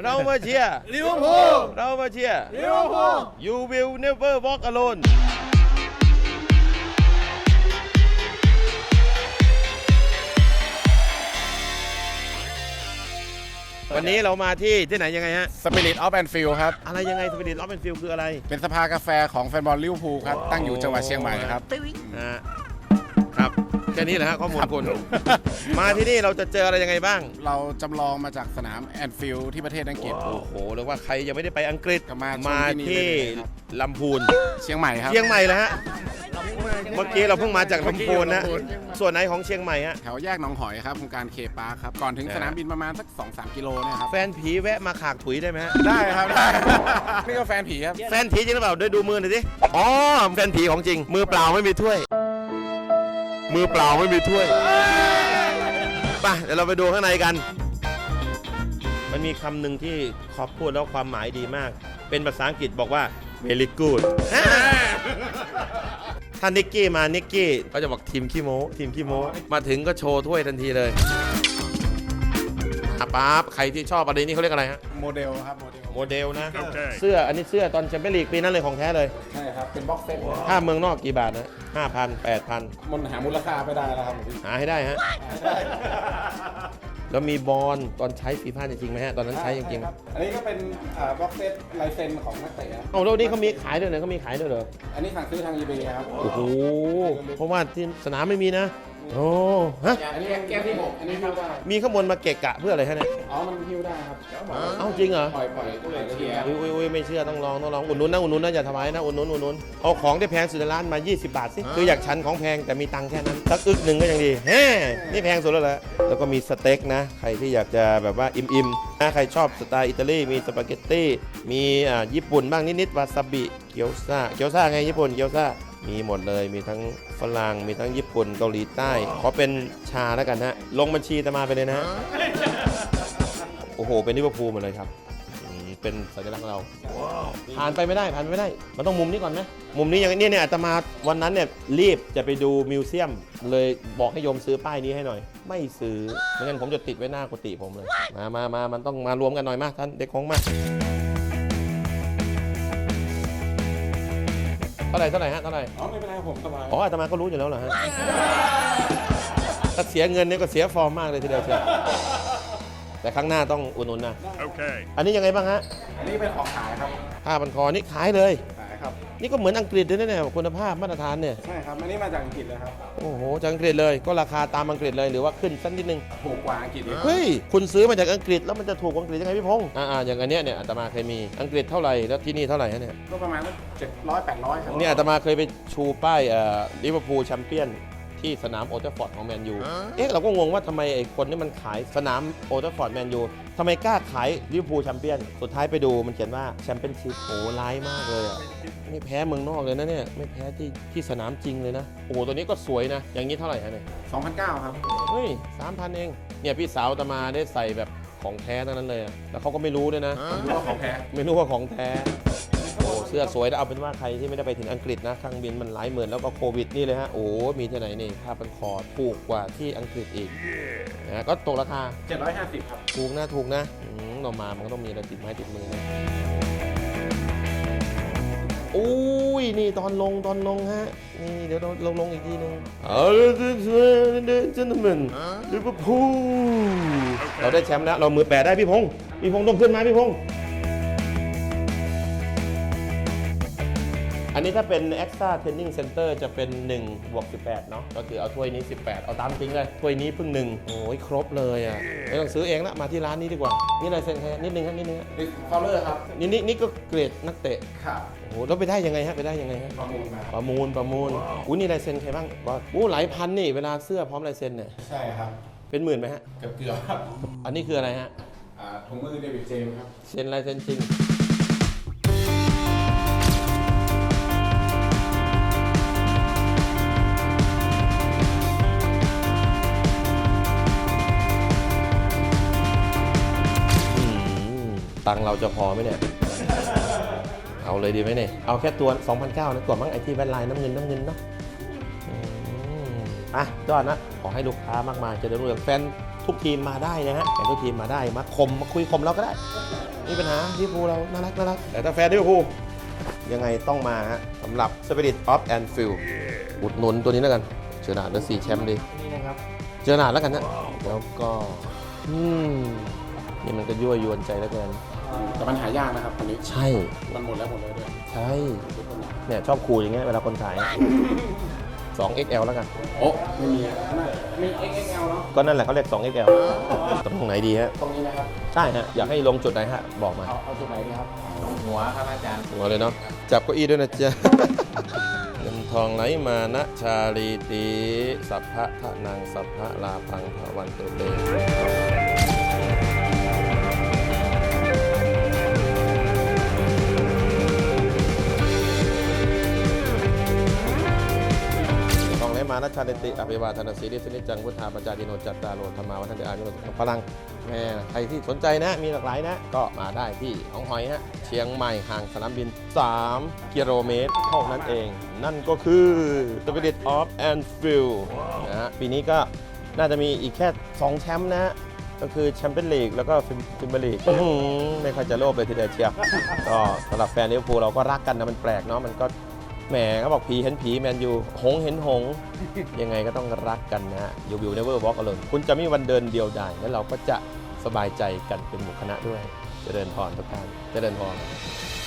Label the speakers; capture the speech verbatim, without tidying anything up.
Speaker 1: เรามาเชียร์
Speaker 2: ลิเวอร์พูล
Speaker 1: เรามาเชียร์
Speaker 2: ลิเวอร์พูล
Speaker 1: You will never walk alone วันนี้เรามาที่ที่ไหนยังไงฮะ
Speaker 3: Spirit of Anfield ครับ
Speaker 1: อะไรยังไง Spirit of Anfield คืออะไร
Speaker 3: เป็นสภากาแฟของแฟนบอลลิเวอร์พูลครับ ตั้งอยู่จังหวัดเชียงใหม่ครับ
Speaker 1: นะฮะครับแค่นี้แหละฮะข้อมูลคุณ มาที่นี่เราจะเจออะไรยังไงบ้าง
Speaker 3: เราจำลองมาจากสนามแอนฟิลด์ที่ประเทศอังกฤษ
Speaker 1: โอ้โหเรียกว่าใครยังไม่ได้ไปอังกฤษ
Speaker 3: ก็มาชม
Speaker 1: มา
Speaker 3: ที่นี่
Speaker 1: ที่
Speaker 3: ได้เลยครับ
Speaker 1: ลำพูน
Speaker 3: เชียงใหม่ครับ
Speaker 1: เชียงใหม่แล้วฮะเมื่อกี้เราเพิ่งมาจากลำพูนนะ
Speaker 3: เมื่อกี้ลำพูน
Speaker 1: ส่วนไหนของเชียงใหม่ฮะ
Speaker 3: แถวแยกหนองหอยครับโครงการเคปาร์คครับ ก่อนถึงสนามบินประมาณสัก สองสาม กิโลเนี่ยครับ
Speaker 1: แฟนผีแวะมาขากถุยได้ไหมฮะ
Speaker 3: ได้ครับ ได้ นี่ก็แฟนผีครับ
Speaker 1: แฟนผีจริงหรือเปล่าด้วยดูมือหน่อยสิอ๋อแฟนผีของจริง มือเปล่าไม่มีถ้วย มือเปล่าไม่มีถ้วยไปเดี๋ยวเราไปดูข้างในกัน มันมีคำหนึ่งที่คอปพูดแล้วความหมายดีมาก เป็นภาษาอังกฤษบอกว่า very good ถ้านิกกี้มานิกกี้ก็จะบอกทีมขี้โม้ทีมขี้โม้มาถึงก็โชว์ถ้วยทันทีเลยอ่ะป๊าบใครที่ชอบอะไรนี่เขาเรียกอะไรฮะ
Speaker 3: โมเดลครับ โมเดล
Speaker 1: โมเดลนะ เสื้ออันนี้เสื้อตอนแชมเปี้ยนลีกปีนั้นเลยของแท้เลย
Speaker 3: ใช่ครับ เป็นบ็อกเซ็ต
Speaker 1: ถ้าเมืองนอกกี่บาทนะห้าพันแปดพัน
Speaker 3: มันหามูลค่าไม่ได้แล้วครับพี่
Speaker 1: หาให้ได้ฮะ แล้วมีบอลตอนใช้ฟีฟ่าจริงไหมฮะ ตอนนั้นใช้จริงๆ
Speaker 3: ครับอันนี้ก็เป็นบ็อกเซ็ตลายเซ็นของนักเตะครับ
Speaker 1: เอาแล้วนี่เขามีขายด้วยเหรอเขามีขายด้วยเหรอ
Speaker 3: อันนี้สั่งซื้อทาง อี เบย์ ครับ
Speaker 1: โอ้โห เพราะว่าที่สนามไม่มีนะ โอ้ฮะ
Speaker 3: อันนี้แก้วที่หกอันนี้หิ้วได้
Speaker 1: มีข้างบนมาเกะกะเพื่ออะไรฮะเนี่ย
Speaker 3: อ๋อ มันหิ้วได้ครับ
Speaker 1: เอ้าจริงเหรอ
Speaker 3: ปล่อยปล่อยปล่อยเทียร์
Speaker 1: อุ้ยอุ้ยอุ้ยไม่เชื่อต้องลองต้องลองอุดหนุนนะอุดหนุนนะอย่าทำไมนะอุดหนุนอุดหนุนเอาของที่แพงสุดในร้านมายี่สิบบาทสิคืออยากฉันของแพงแต่มีตังค์แค่นั้นสักอึกหนึ่งก็ยังดีแฮ่นี่แพงสุดแล้วแหละแล้วก็มีสเต็กนะใครที่อยากจะแบบว่าอิ่มๆนะใครชอบสไตล์อิตาลีมีสปาเกตตี้มีอ่าญี่ปุ่นบ้างนิดๆวาซาบิเกี๊ยวซ่าเกี๊ยวซ่าไงญี่ปุ่นเกี๊ยวซ่ามีหมดเลยมีทั้งฝรั่งมีทั้งญี่ปุ่นเกาหลีใต้ขอเป็นชาแล้วกันฮะลงบัญชีตามมาไปเลยนะฮะโอ้โหเป็นลิเวอร์พูลหมดเลยครับเป็นสัญลักษณ์ของเราผ่านไปไม่ได้ผ่านไปไม่ได้มันต้องมุมนี้ก่อนไหมมุมนี้อย่างนี้เนี่ยอาตมาวันนั้นเนี่ยรีบจะไปดูมิวเซียมเลยบอกให้โยมซื้อป้ายนี้ให้หน่อยไม่ซื้อไม่งั้นผมจะติดไว้หน้ากุฏิผมเลยมามามามันต้องมารวมกันหน่อยมาท่านเด็กของมาเท่าไหร่เท่าไหร่ฮะเท่าไหร่
Speaker 3: อ๋อ ไม่เป็นไรผมสบาย
Speaker 1: อ๋ออาตมาก็รู้อยู่แล้วเหรอฮะถ้าเสียเงินเนี่ยก็เสียฟอร์มมากเลยทีเดียวเชียวแต่ครั้งหน้าต้องอุดหนุนนะโอเคอันนี้ยังไงบ้างฮะ
Speaker 3: อันนี้เป็นของขายครับ
Speaker 1: ผ้าพันคอนี่ขายเลย
Speaker 3: ขายครับ
Speaker 1: นี่ก็เหมือนอังกฤษเลยนะเนี่ยคุณภาพมาตรฐานเนี่ย
Speaker 3: ใช่ครับ อันนี้มาจากอังกฤษเลยครับ
Speaker 1: โอ้โหจากอังกฤษเลยก็ราคาตามอังกฤษเลยหรือว่าขึ้นสักนิดนึง
Speaker 3: ถูกกว่าอังกฤษอีก
Speaker 1: เฮ้ยคุณซื้อมาจากอังกฤษแล้วมันจะถูกกว่าอังกฤษยังไงพี่พงษ์อ่าๆอย่างอันเนี้ยเนี่ยอาตมาเคยมีอังกฤษเท่าไหร่แล้วที่นี่เท่าไหร่ฮะเนี่ย
Speaker 3: ก็ประมาณเจ็ดร้อยแปดร้อยครับ
Speaker 1: เนี่ยอาตมาเคยไปชูป้ายเอ่อลิเวอร์พูลแชมเปี้ยนที่สนามโอลด์แทราฟฟอร์ดของแมนยูเอ๊ะเราก็งงว่าทำไมไอ้คนนี่มันขายสนามโอลด์แทราฟฟอร์ดแมนยูทำไมกล้าขายลิเวอร์พูลแชมเปี้ยนสุดท้ายไปดูมันเขียนว่าแชมเปี้ยนชิพโอ้ร้ายมากเลยอ่ะไม่แพ้เมืองนอกเลยนะเนี่ยไม่แพ้ที่ที่สนามจริงเลยนะโอ้โหตัวนี้ก็สวยนะอย่างนี้เท่าไหร่ฮะเนี่ย
Speaker 3: สองพันเก้าครับ
Speaker 1: เฮ้ยสามพันเองเนี่ยพี่สาวอาตมาได้ใส่แบบของแท้ทั้งนั้นเลยอะแล้วเขาก็ไม่รู้ด้วยนะ
Speaker 3: รู้ว่าของแท้
Speaker 1: ไม่รู้ว่าของแท้โอ้เสื้อสวยนะเอาเป็นว่าใครที่ไม่ได้ไปถึงอังกฤษนะเครื่องบินมันหลายหมื่นแล้วก็โควิดนี่เลยฮะโอ้มีที่ไหนนี่ผ้าพันคอถูกกว่าที่อังกฤษอีกนะก็ตกราคา
Speaker 3: เจ็ดร้อยห้าสิบครับ
Speaker 1: ถูกนะถูกนะอืมเรามามันก็ต้องมีอะไรติดไม้ติดมือนะอุ้ยนี่ตอนลงตอนลงฮะนี่เดี๋ยวเราลงลงอีกทีนึงเอาละเจนต์แมนลิเวอร์พูลเราได้แชมป์แล้วเรามือแปดได้พี่พงศ์พี่พงศ์ต้องขึ้นมาพี่พงศ์อันนี้ถ้าเป็น Extra Training Center จะเป็นหนึ่งบวกสิบแปดเนาะก็คือเอาถ้วยนี้สิบแปดเอาตามจริงเลยถ้วยนี้เพิ่งหนึ่งโอ้ยครบเลยอ่ะไม่ต้องซื้อเองละมาที่ร้านนี้ดีกว่านี่ลายเซ็นแค่นิดนึงครับนิดนึง
Speaker 3: ดิสคอลเลอร์ครับ
Speaker 1: นี่นี่นี่ก็เกรดนักเตะ
Speaker 3: ครับ
Speaker 1: โอ้โหแล้วไปได้ยังไงฮะไปได้ยังไงฮะ
Speaker 3: ประมูลมา
Speaker 1: ประมูลประมูลอู้นี่ลายเซ็นใครบ้างบอสอู้หลายพันนี่เวลาเสื้อพร้อมลายเซ็นเนี่ย
Speaker 3: ใช่ครับ
Speaker 1: เป็นหมื่นไหมฮะ
Speaker 3: เกือบเกือบครับ
Speaker 1: อันนี้คืออะไรฮะ
Speaker 3: อ่าถุงมือเดวิดเจมส์ครับ
Speaker 1: เซ็นลายเซ็นจริงตังค์เราจะพอไหมเนี่ย เอาเลยดีไหมเนี่ย เอาแค่ตัว สองพันเก้าร้อย นะตัวมั้งไอที่แว่นลายน้ำเงินน้ำเงินเนาะอืมอ่ะยอดนะ ขอให้ลูกค้ามากมายเจะได้รู้เรื่องแฟนทุกทีมมาได้นะฮะแฟนทุกทีมมาได้ มาคมมาคุยคมเราก็ได้มีปัญหาลิเวอร์พูลเราน่ารักน่ารักแต่ถ้าแฟนลิเวอร์พูลยังไงต้องมาฮะสำหรับ Spirit of Anfield อุดหนุนตัวนี้แล้วกันเจอหนาดแล้วสี่แชมป์ดี
Speaker 2: นี่นะครับ
Speaker 1: เจอหนาดแล้วกันนะแล้วก็อืมนี่มันก็ยั่วยวนใจแล้วกัน
Speaker 3: แต่มันหายากนะครับคนนี้
Speaker 1: ใช่
Speaker 3: มันหมดแล้วหมดเลยด้วย
Speaker 1: ใช่เนี่ยชอบคูอย่างเงี้ยเวลาคนขาย สอง เอ็กซ์ แอล แล้วกัน
Speaker 3: โอ้ไม่มีอะมี เอ็กซ์ เอ็กซ์ แอล เนาะ
Speaker 1: ก็นั่นแหละเขาเรียก สอง เอ็กซ์ แอล ตรงไหนดีฮะ
Speaker 3: ตรงนี้นะครับ
Speaker 1: ใช่ฮะ อยากให้ลงจุดไหนฮะ บอกมา
Speaker 3: เอาเอาจุดไหนดีครับ หัวครับอาจารย์
Speaker 1: หัวเลยเนาะ จับเก้าอี้ด้วยนะจ๊ะ เงินทองไหลมานะชาลีตีสัพพะทะนังสัพพะลาพังภวันตุเต ทองไหลมานะชาลิติอภิวาทนาสีริสนิจังพุทธาปจายิโนจัตตาโลธรรมาวัฒนเดอายุพลังแม่ใครที่สนใจนะมีหลากหลายนะ ก็มาได้ที่หนองหอยฮะเชียงใหม่ห่างสนามบิน สาม กิโลเมตรเท่านั้นเอง นั่นก็คือ Spirit of Anfield นะฮะปีนี้ก็น่าจะมีอีกแค่ สอง แชมป์นะฮะก็คือแชมเปี้ยนลีกแล้วก็ฟิมเบอร์ลีกไม่ค่อยจะโลภเลยทีเดียวเชียวก็สำหรับแฟนลิเวอร์พูลเราก็รักกันนะมันแปลกเนาะมันก็ แหมเขาบอกผีเห็นผีแมนยูหงเห็นหง ยังไงก็ต้องรักกันนะฮะ You will never walk alone คุณจะไม่มีวันเดินเดียวดายและเราก็จะสบายใจกันเป็นหมู่คณะด้วยเจริญพรทุกท่านเจริญพร